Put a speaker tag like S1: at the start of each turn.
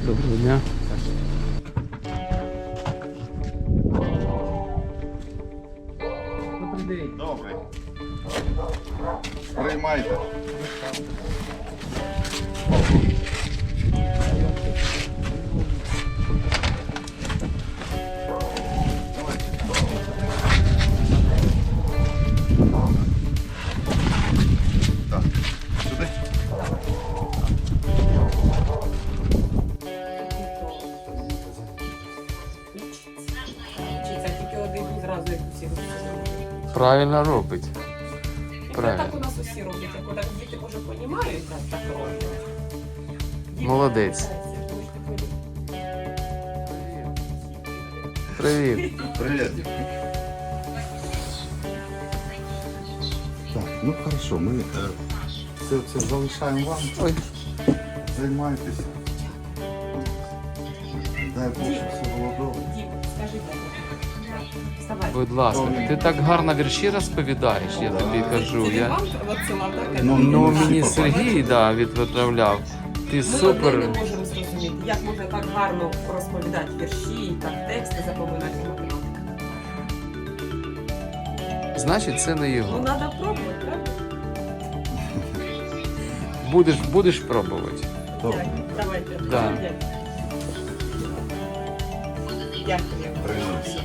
S1: Доброго дня. Добрий день.
S2: Добрий. Приймайте. Так, сюди.
S3: Вчиться тільки один зразу, як усі роблять.
S1: Правильно робить.
S3: І
S1: Правильно.
S3: так у нас усі роблять. Як отак діти може понімають, так роблять. Діти
S1: Молодець.
S3: навчаються, тому що
S1: Привіт.
S2: Привіт. Так, ну хорошо, ми це залишаємо вам.
S1: Ой.
S2: Займайтеся. Дай Бог, щоб все було добре.
S3: Дім, скажи так. Вставай.
S1: Будь ласка, ти так гарно вірші розповідаєш, я тобі кажу.
S3: Це
S1: Я...
S3: вам відсилав, так?
S2: Ну,
S1: Ну,
S2: всі
S1: мені
S2: побачили.
S1: Сергій відправляв. Ти
S3: Ми
S1: супер.
S3: одне не можемо зрозуміти, як можна так гарно розповідати вірші, так тексти запоминати математику.
S1: Значить, це не
S3: Ну,
S1: його.
S3: треба пробувати, правда?
S1: Будеш пробувати.
S2: Добре.
S3: Давайте.
S1: Да.
S3: Дякую.
S2: Приймайся.